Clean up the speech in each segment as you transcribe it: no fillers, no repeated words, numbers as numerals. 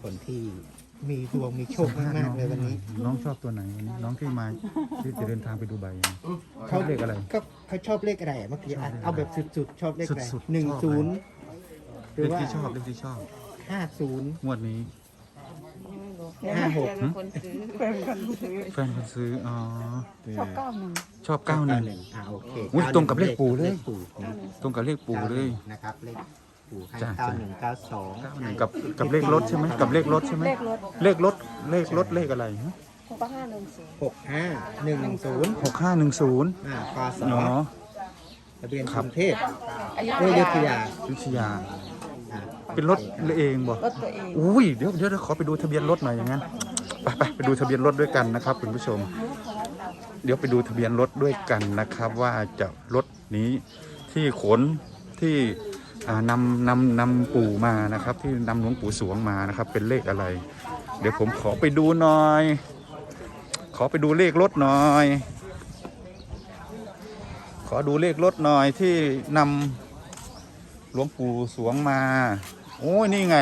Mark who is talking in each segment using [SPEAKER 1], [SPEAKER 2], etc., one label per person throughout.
[SPEAKER 1] คนที่มีดวงมีโชคมากๆเลยวันนี้
[SPEAKER 2] น้องชอบตัวไหนวันนี้น้องที่มาที่จะเดินทางไปดูใบชอบเลขอะไร
[SPEAKER 1] เขาชอบเลขอะไรเมื่อกี้เอาแบบสุดๆชอบเลขอะไร
[SPEAKER 2] สุดๆ
[SPEAKER 1] 10ห
[SPEAKER 2] เล
[SPEAKER 1] รือ
[SPEAKER 2] ข
[SPEAKER 1] ว่า
[SPEAKER 2] ที่ชอบเลขที่ชอบ
[SPEAKER 1] 50
[SPEAKER 2] งวดนี้
[SPEAKER 1] 56
[SPEAKER 3] คนซื้อ
[SPEAKER 2] แฟนคนซื้ออ๋อ
[SPEAKER 3] ชอบ91
[SPEAKER 2] ชอบ91
[SPEAKER 1] โอเค
[SPEAKER 2] อุ๊ยตรงกับเลขปู่เลย
[SPEAKER 1] ขปู่นะ
[SPEAKER 2] ตรงกับเลขปู่เลย
[SPEAKER 1] นะครับเลขปู่ให้
[SPEAKER 2] จ้ะ
[SPEAKER 1] 9192
[SPEAKER 2] กับเลขรถใช่ไหมกับเลขรถใช่ไหม
[SPEAKER 3] เลขรถ
[SPEAKER 2] เลขรถเลขอะไรฮะ
[SPEAKER 3] 6510
[SPEAKER 1] 6510
[SPEAKER 2] 6510
[SPEAKER 1] พศ
[SPEAKER 2] อ๋อ
[SPEAKER 1] ทะเบียน
[SPEAKER 2] ค
[SPEAKER 1] ก
[SPEAKER 2] รับ
[SPEAKER 1] รุงเทพ
[SPEAKER 3] อยุ
[SPEAKER 1] อยุธ
[SPEAKER 3] ธยาย
[SPEAKER 1] า
[SPEAKER 2] วิทยาเป็นรถเองบ่
[SPEAKER 3] รถตัวเอง
[SPEAKER 2] อุ้ยเดี๋ยวขอไปดูทะเบียนรถหน่อยอย่างนั้นไปดูทะเบียนรถด้วยกันนะครับคุณผู้ชม เดี๋ยวไปดูทะเบียนรถด้วยกันนะครับ ว่าจะรถนี้ที่ขนที่นำปู่มานะครับ ที่นำหลวงปู่สวงมานะครับ เป็นเลขอะไร เดี๋ยวผมขอไปดูหน่อย ขอไปดูเลขรถหน่อย ขอดูเลขรถหน่อยที่นำหลวงปู่สวงมาโอ้ยนี่ไง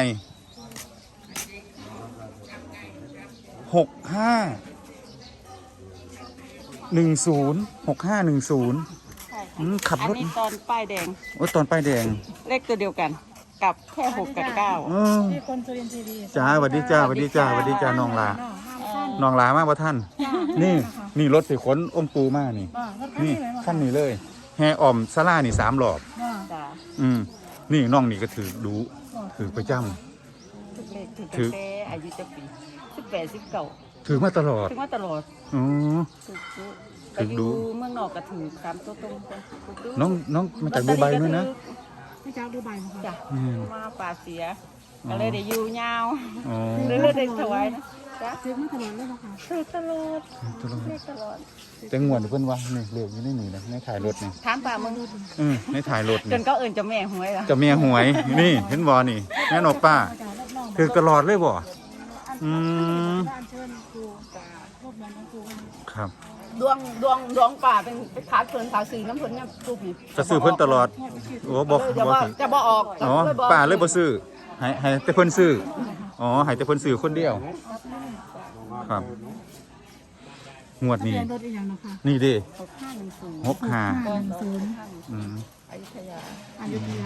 [SPEAKER 2] 6510ขับ
[SPEAKER 3] อัน
[SPEAKER 2] รถ
[SPEAKER 3] นี้ตอนป้ายแดง
[SPEAKER 2] โอ้ยตอนป้ายแดง
[SPEAKER 3] เลขตัวเดียวกัน กับแค่6กับ9
[SPEAKER 4] ที่คนสุรินทร์ทีวี
[SPEAKER 2] จ้าสวัสดีจ้าสวัสดีจ้าสวัสดีจ้าน้องลาน้องลามากว่าท่าน นี่รถสิขนองค์ปู่มานี่ นี่ขั้นนี้เลยแห่อ่อมซาร่านี่3 รอบ
[SPEAKER 3] จ้า
[SPEAKER 2] นี่น้องนี่ก็ถือดูถือประจ
[SPEAKER 3] ทุกเลขถึง
[SPEAKER 2] ถือ
[SPEAKER 3] แต่อายุจะปี18 19
[SPEAKER 2] ำถือมาตลอด
[SPEAKER 3] ถึงว่าตลอด
[SPEAKER 2] อ๋อ
[SPEAKER 3] ถูก
[SPEAKER 2] ถึงดู
[SPEAKER 3] เมืองนอกก็ถือตามตัวตรงถูก
[SPEAKER 2] น้องมาจากดูไบด้วยนะ
[SPEAKER 4] ไม่จ้าดูใบมั้งคะ
[SPEAKER 3] จ้ะ
[SPEAKER 2] อืม
[SPEAKER 3] มาป่าเสียก็เลยได้อยู่ยาว
[SPEAKER 2] อ๋อ
[SPEAKER 3] เลยได้ถวายนะจ้ะ
[SPEAKER 4] ซื้อมาตลอดเลยป่ะคะ
[SPEAKER 3] ถือตลอด
[SPEAKER 2] ตลอด
[SPEAKER 3] เลขตลอด
[SPEAKER 2] แต่งวดเพิ่นว่านี่เรียกอยู่ในนี่นะในถ่ายรถนี่
[SPEAKER 3] ถามป่ามึง
[SPEAKER 2] ในถ่ายรถ
[SPEAKER 3] จ
[SPEAKER 2] นี่
[SPEAKER 3] นก็เอิ่นเจะแม่หวยละ
[SPEAKER 2] จะเมียหวยนี่เห็นบ่นี่แม่นอกป้า
[SPEAKER 4] อาจารย์รับรอง
[SPEAKER 2] คือตลอดเลยบ่
[SPEAKER 4] อันเชิญครูรบกวนน้องครู
[SPEAKER 2] ครับ
[SPEAKER 3] ดวงป่าเป็นขาดเพิ่นขาซื้อน้ำเพิ่นเนี่ยครูผี
[SPEAKER 2] จะซื้อเพิ่นตลอดโอ้บอก
[SPEAKER 3] จะ
[SPEAKER 2] บ
[SPEAKER 3] บ่
[SPEAKER 2] อก
[SPEAKER 3] จะบ่ออก
[SPEAKER 2] อ๋อป้าเลยบ่ซื้อให้แต่เพิ่นซื้ออ๋อให้แต่เพิ่นซื้อคนเดียว ครับงวด
[SPEAKER 4] ทะเบี
[SPEAKER 2] นี้
[SPEAKER 4] ยนรถอีกอย่างนะคะ
[SPEAKER 2] นี่ดิ
[SPEAKER 3] 6510
[SPEAKER 2] 65
[SPEAKER 4] 510
[SPEAKER 2] อืม
[SPEAKER 3] อยุธยา
[SPEAKER 4] อยุธยา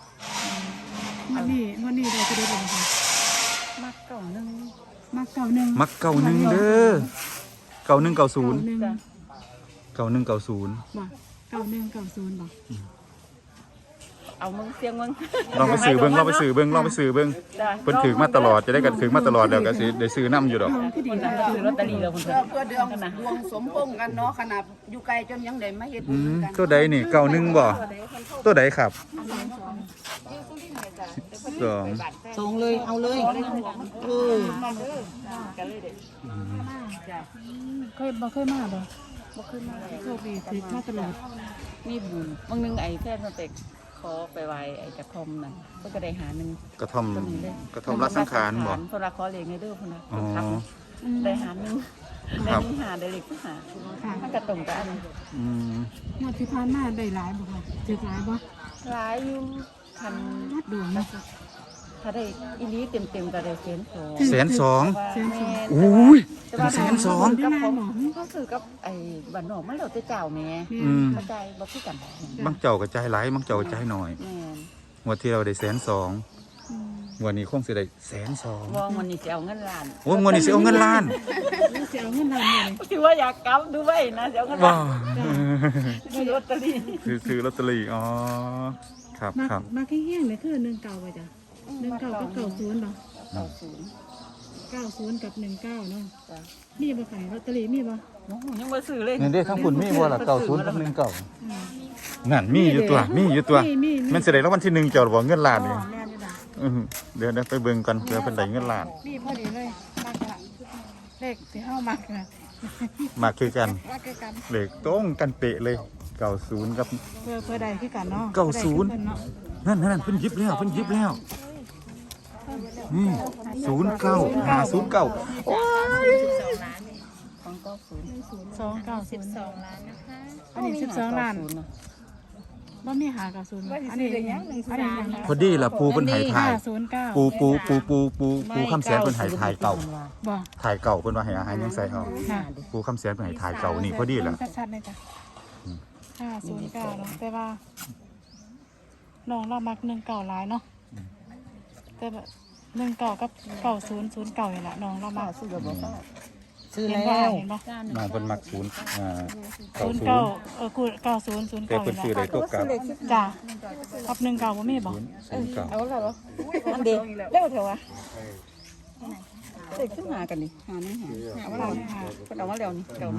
[SPEAKER 4] วันนี้เราจะได้เลยค่ะ
[SPEAKER 3] มักเก่านึง
[SPEAKER 4] มาเก่าหนึ่ง
[SPEAKER 2] มัก91เด้อ9190
[SPEAKER 4] เก่าหนึ่ง
[SPEAKER 3] จ้ะ
[SPEAKER 2] 9190
[SPEAKER 4] บ่เก่าหนึ่งเก่าศูนย์บ่
[SPEAKER 3] เอามึงเสียงมึง
[SPEAKER 2] ลองไปซื้อเบิ่งลองไปซื้อเบิ่ง
[SPEAKER 3] จ้ะ
[SPEAKER 2] เพิ่นถือมาตลอดจะได้กันถือมาตลอดแล้วก็สิได้ซื้อนํอยู่ดอก
[SPEAKER 4] ที่ดี
[SPEAKER 3] คนนั้นก็ซื้อลอตเตอรี่แล้วคนเพิ่น
[SPEAKER 5] เพื่อดวงดวงสมพงษ์กันเนาะขนาดอยู่ไกลจนยังได้มาเฮ็ดบุญกัน
[SPEAKER 2] ตัวใดนี่91บ่ตัวใดครับสอง
[SPEAKER 5] ส่งเลยเอาเลยเออ
[SPEAKER 4] เคยบ่เคยมาบ่โชคดีติดมาตลอด
[SPEAKER 3] มีบุญบางนึงไอ้แฟนมันไปขอไปไหว้ไอ้กระทอมนั่นเพิ่นก็ได้หาหนึง
[SPEAKER 2] กระท่อม
[SPEAKER 3] ตัวนี้เลย
[SPEAKER 2] กระท่อมรักสังขารบ่
[SPEAKER 3] เพิ่นว่าขอเลขในเด้อเพิ่นน่ะ
[SPEAKER 2] อ๋อ
[SPEAKER 3] ครับได้หาหนึง
[SPEAKER 2] ค
[SPEAKER 3] ได้
[SPEAKER 2] รับ
[SPEAKER 3] หนึงหาได้เลขหา
[SPEAKER 4] ค่ะ
[SPEAKER 3] มันก็ตรงกัน
[SPEAKER 2] อืม
[SPEAKER 4] งวดที่ผ่านมาได้หลายบ่ค่ะถือหลายบ่
[SPEAKER 3] หลายอยู่คัน
[SPEAKER 4] วัดดวงนะ
[SPEAKER 3] ถ้าได้อีนี้เต็มๆก็ได้1,200,000
[SPEAKER 2] 120,000
[SPEAKER 4] แสนสอง
[SPEAKER 2] อุ้ย
[SPEAKER 3] แต่ว่า
[SPEAKER 2] 120,000
[SPEAKER 3] กับผมก็คือกับไอ้บ้านนอกมันแล้วแต่เจ้าแม่
[SPEAKER 2] อืม
[SPEAKER 3] เข้าใจบ่คือกัน
[SPEAKER 2] บางเจ้าก็จ่ายหลายบางเจ้าก็จ่ายน้อย
[SPEAKER 3] แม่น
[SPEAKER 2] งวดที่เราได้120,000งวดนี้คงสิได้120,000
[SPEAKER 3] มองมันนี่สิเอาเงินล้าน
[SPEAKER 2] โอ้ยงวดนี้สิเอาเงินล้าน
[SPEAKER 4] เสียเงินล้านเลย
[SPEAKER 3] ที่ว่าอยากกลับดูไว้นะสิเอาเงิน
[SPEAKER 2] ว้า
[SPEAKER 3] ล้านซื้อลอตเตอรี่
[SPEAKER 2] ซื้อลอตเตอรี่อ๋อครับ
[SPEAKER 4] มา
[SPEAKER 2] ครับ
[SPEAKER 4] มาแค่เฮี้ยงเนี่ยคือ1เก่าไปจ้ะ1เก่ากับ90บ่
[SPEAKER 3] 90
[SPEAKER 4] 90กับ19เนาะ
[SPEAKER 3] จ้ะ
[SPEAKER 4] มีบ่ขายลอตเตอรี่มีบ่
[SPEAKER 3] โอ้โหยังบ่ซื้อเลย
[SPEAKER 2] เงินได้ทั้งคุณมีบ่ล่ะ90กับ19
[SPEAKER 4] อืม
[SPEAKER 2] นั่นมีอยู่ตัวมีอยู่ตัว
[SPEAKER 4] มี
[SPEAKER 2] มันสิได้รางวัลที่1เจ้าบ่เงินล้าน
[SPEAKER 4] อ๋อ
[SPEAKER 2] นี่
[SPEAKER 4] แม่นอยู่ดอก
[SPEAKER 2] เดี๋ยวไปเบิ่งกันเพื่อเป็นได้เงินล้าน
[SPEAKER 4] มีพอดีเลยมากละเลขที่เฮามากนะ
[SPEAKER 2] มาคือกัน
[SPEAKER 4] มากคือกัน
[SPEAKER 2] เลขตรงกันเป๊ะเลย90กับ
[SPEAKER 4] เพื่อใดคือกันเนาะ
[SPEAKER 2] 90 นั่นเพิ่นหยิบแล้วนี่09 509โอ้ย
[SPEAKER 3] ของ90
[SPEAKER 4] 290
[SPEAKER 3] 12ล้านนะคะ
[SPEAKER 4] อันนี้12ล้านบ่มีหากับศูนย์อันนี้ยัง
[SPEAKER 2] พอดีล่ะปูเพิ่นให้ถ่าย
[SPEAKER 4] 509
[SPEAKER 2] ปูคำแสนเพิ่นให้ถ่ายเก่า
[SPEAKER 4] บ่
[SPEAKER 2] ถ่ายเก่าเพิ่นว่าให้อาหารยังใส่เอา
[SPEAKER 4] ค่ะ
[SPEAKER 2] ปูคำแสนเพิ่นให้ถ่ายเก่านี่พอดีล่ะ
[SPEAKER 4] ชัดๆเลยจ้ะ509เนาะแต่ว่าน้องเรามัก19หลายเนาะแต่แบบ19กับ9009นี่ล่ะน้องเรามัก
[SPEAKER 3] ซื้อบ่ก็
[SPEAKER 4] ซื้อแล้วเห็นบ่
[SPEAKER 2] น้องเพิ่นมัก0
[SPEAKER 4] 09กู9009
[SPEAKER 2] แต่เพิ่นซื้อได้ตัวกลับ
[SPEAKER 4] จ้ะกับ19บ่มีบ่
[SPEAKER 2] 09
[SPEAKER 3] เอาแล้วเหรออันเดียวเร็วเถอะวะเด็กขึ้นหากันนี่หานี่หาว่าเราคนเอาว่าเรานี่เก่า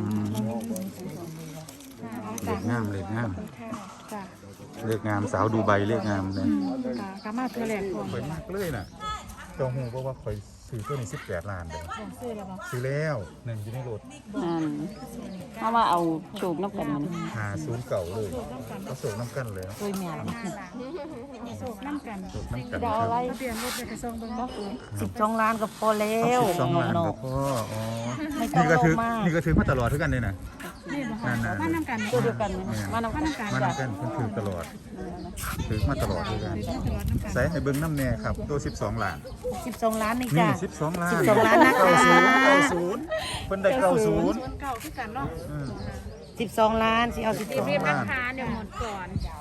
[SPEAKER 2] เลขงามเลขงาม
[SPEAKER 4] จ้ะ
[SPEAKER 2] เลขงามสาวดูใบเลขงามเลย
[SPEAKER 4] กะมาเทื่อแรกพร้อม
[SPEAKER 2] ข่อยมากเลยน่ะเจ้าฮู้บ่ว่าข่อยซื้อตัวนี้18 ล้านเด้อ
[SPEAKER 4] ซื้อแล้วบ่
[SPEAKER 2] ซื้อแล้วหนึ่งอยู่ในรถ
[SPEAKER 3] เพราะว่าเอาโชคนับกันมัน
[SPEAKER 2] 50เก่าเลยก็ส่งน้ำกันเลย
[SPEAKER 3] เคยแม่
[SPEAKER 4] โศกน้ำกัน
[SPEAKER 2] ส่งน้ำกัน
[SPEAKER 3] ดาวอะไร
[SPEAKER 4] ทะเบียนรถไปส่งเบิ่งบ่
[SPEAKER 3] 12 ล้านก็พอแล้ว
[SPEAKER 2] 12 ล้านก็พออ๋อ
[SPEAKER 3] ไม่ต้อ
[SPEAKER 2] นี่
[SPEAKER 3] ง
[SPEAKER 2] ก็
[SPEAKER 3] โล
[SPEAKER 2] ถือ
[SPEAKER 3] ภมาก
[SPEAKER 2] นี่ก็ถือมาตลอดเท่ากันเลยนะ
[SPEAKER 4] นี่บ่ค่ะ
[SPEAKER 2] นั่นๆ
[SPEAKER 4] มานํกัน
[SPEAKER 3] ตัวเดียวกันมานำกัน
[SPEAKER 2] มาน้ำกันเพิ่นถือตลอดถือมาตลอดเลยกัน
[SPEAKER 4] ถือตลอดน้ำกัน
[SPEAKER 2] ใส่ให้เบิ่งน้ำแน่ครับตัว12 ล้าน
[SPEAKER 3] 12 ล้านนี่
[SPEAKER 2] นี่
[SPEAKER 3] จ้ะ
[SPEAKER 2] 12 ล้าน
[SPEAKER 3] 12ล้านนะคะ
[SPEAKER 2] 90เพิ่นได้90
[SPEAKER 4] เก่าคือกันเนาะ
[SPEAKER 3] 12 ล้านสิเอา
[SPEAKER 2] 12 ล้าน
[SPEAKER 4] เดี๋ยวหมดก่อน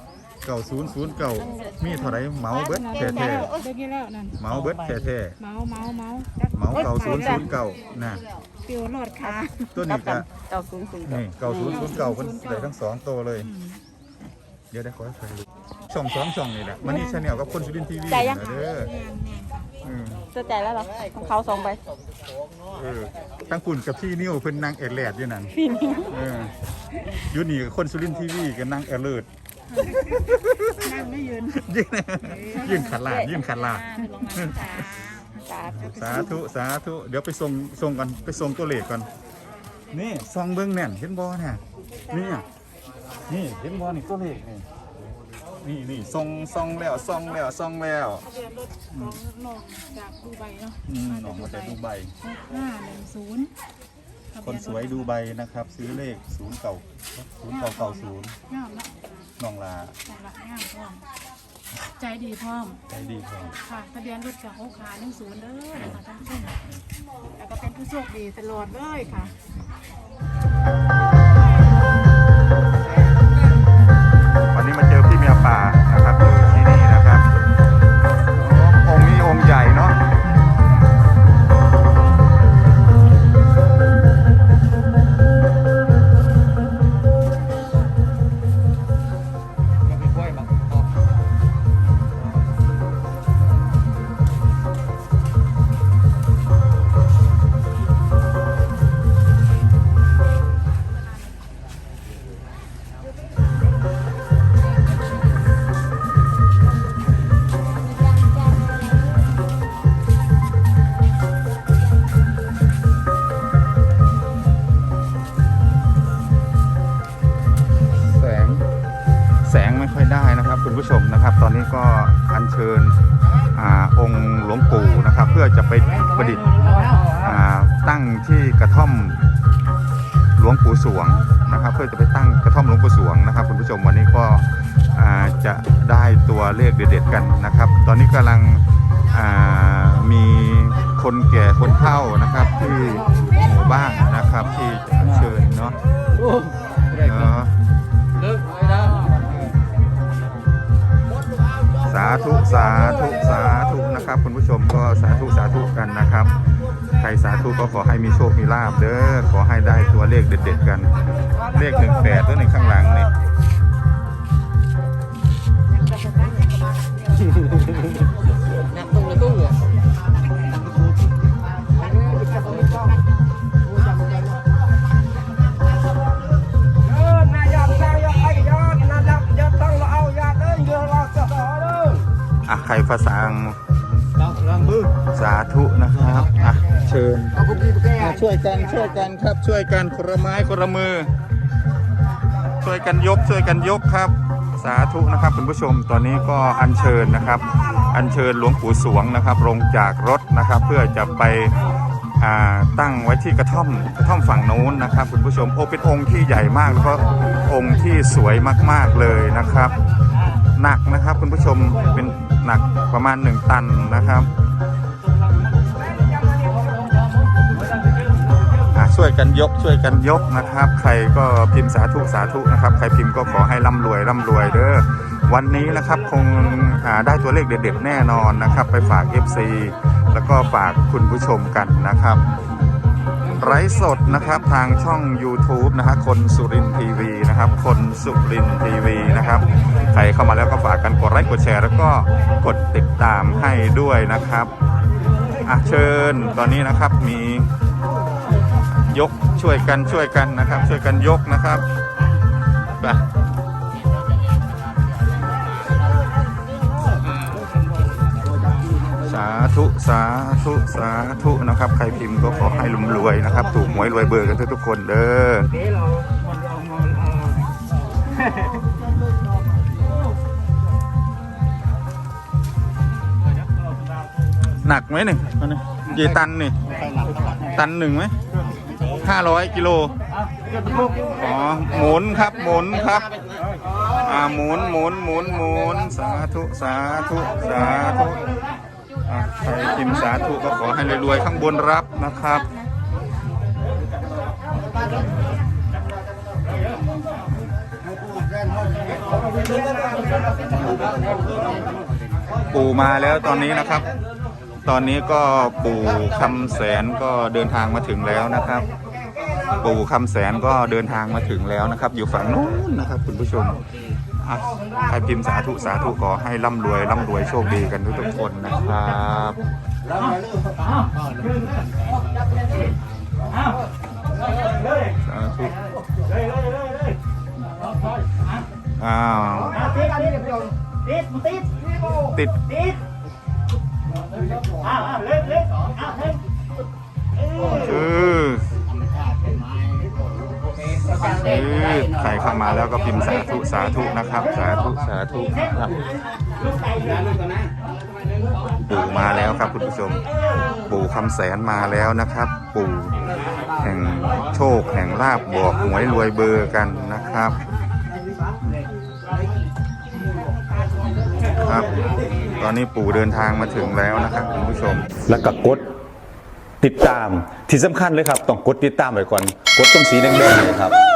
[SPEAKER 2] 9009มีเท่าไหร่เหมาเบิดแท้
[SPEAKER 4] เดี๋ยวนี้แล้วนั่น
[SPEAKER 2] ๆเหมาเบิดแท้
[SPEAKER 4] เมาจัก
[SPEAKER 2] ๆเหมา9009น่ะ
[SPEAKER 4] ปิวรอดค่ะ
[SPEAKER 2] ตัวนี้ก็
[SPEAKER 3] 900
[SPEAKER 2] นี่9009เพิ่นได้ทั้ง2ตัวเลย เดี๋ยวได้ขอให้ใครรู้ช่อง2ช่องนี่แหละมันนี่ชาแนลกับคนสุรินทร์ทีวีนะเด้ออืม
[SPEAKER 3] ตัวใจแล้วเหรอของเขา2ใบ
[SPEAKER 2] ตั้งปุ่นกับพี่นิ้วเพิ่นนางเอดแลดอยู่นั่นอยู่นี่กับคนสุรินทร์ทีวีกับนางเอเลิศ
[SPEAKER 4] นั่งไม่ยืน
[SPEAKER 2] ยื่นขันลาดยื่นขันลาดสาธุเดี๋ยวไปส่งก่อนไปส่งตัวเลขก่อนนี่ซองเบิ้งแน่นเห็นบอเนี่ยนี่เห็นบอนี่ตัวเลขนี่ส่งแล้ว
[SPEAKER 4] ทะเบียนรถของน้องจากดูไบเนาะ
[SPEAKER 2] น้องมาจากดูไบ
[SPEAKER 4] 510
[SPEAKER 2] คนสวยดูไบนะครับ ซื้อเลข0990
[SPEAKER 4] งามเนาะ
[SPEAKER 2] น้องลา
[SPEAKER 4] ละงามพร้อมใจดีพร้อม
[SPEAKER 2] ใจดีพอ
[SPEAKER 4] ค่ะทะเบียนรถกับ6ขา10เด้อนะคะท่านผู้ชมแล้วก็เป็นผู้โชคดีตลอดเลยค่ะ
[SPEAKER 2] วันนี้มาเจอพี่เมียป่านะครับอยู่ที่นี่นะครับองค์นี้องค์ใหญ่เนาะแสงไม่ค่อยได้นะครับคุณผู้ชมนะครับ ตอนนี้ก็อัญเชิญองค์หลวงปู่นะครับ เพื่อจะไปประดิษฐ์ตั้งที่กระท่อมหลวงปู่สวงนะครับ เพื่อจะไปตั้งกระท่อมหลวงปู่สวงนะครับคุณผู้ชมวันนี้ก็จะได้ตัวเลขเด็ดๆกันนะครับ ตอนนี้กำลังมีคนแก่คนเฒ่านะครับที่หมู่บ้านนะครับที่อัญเชิญเนาะสาธุนะครับคุณผู้ชมก็สาธุกันนะครับ ใครสาธุก็ขอให้มีโชคมีลาภเด้อขอให้ได้ตัวเลขเด็ดๆกันเลข18ตัวในข้างหลังนี่
[SPEAKER 3] นับตรงเลยตู้อ่ะ
[SPEAKER 2] ใครภาษาสาธุนะครับเชิญช่วยกันครับช่วยกันคนละไม้คนละมือช่วยกันยกครับสาธุนะครับคุณผู้ชมตอนนี้ก็อัญเชิญนะครับอัญเชิญหลวงปู่สวงนะครับลงจากรถนะครับเพื่อจะไปตั้งไว้ที่กระท่อมฝั่งโน้นนะครับคุณผู้ชมเป็นองค์ที่ใหญ่มากแล้วก็องค์ที่สวยมากๆเลยนะครับหนักนะครับคุณผู้ชมเป็นหนักประมาณ1 ตันนะครับช่วยกันยกนะครับใครก็พิมพ์สาธุนะครับใครพิมพ์ก็ขอให้ร่ำรวยเด้อวันนี้นะครับคงได้ตัวเลขเด็ดๆแน่นอนนะครับไปฝาก FC แล้วก็ฝากคุณผู้ชมกันนะครับไลฟ์สดนะครับทางช่อง YouTube นะฮะคนสุรินทร์ทีวีนะครับคนสุรินทร์ทีวีนะครับใครเข้ามาแล้วก็ฝากกันกดไลค์กดแชร์แล้วก็กดติดตามให้ด้วยนะครับเชิญตอนนี้นะครับมียกช่วยกันนะครับช่วยกันยกนะครับไปสาธุนะครับใครพิมพ์ก็ขอให้ร่ำรวยนะครับถูกหวยรวยเบอร์กันทุกคนเด้อหนักไหมนี่กี่ตันนี่ตัน 1ไหม500 กิโลอ๋อหมุนครับหมุนสาธุใครพิมพ์สาธุก็ขอให้รวยๆข้างบนรับนะครับปู่มาแล้วตอนนี้นะครับตอนนี้ก็ปู่คำแสนก็เดินทางมาถึงแล้วนะครับปู่คำแสนก็เดินทางมาถึงแล้วนะครับอยู่ฝั่งนู้นนะครับคุณผู้ชมใครพิมพ์สาธุขอให้ร่ำรวยโชคดีกันทุกคนนะครับสาธุติดใครเข้ามาแล้วก็พิมพ์สาธุนะครับสาธุครับปู่มาแล้วครับคุณผู้ชมปู่คำแสนมาแล้วนะครับปู่แห่งโชคแห่งลาภบอกหวยรวยเบอร์กันนะครับครับตอนนี้ปู่เดินทางมาถึงแล้วนะครับคุณผู้ชมแล้วก็กดติดตามที่สำคัญเลยครับต้องกดติดตามไว้ก่อนกดตรงสีแดงๆเลยครับ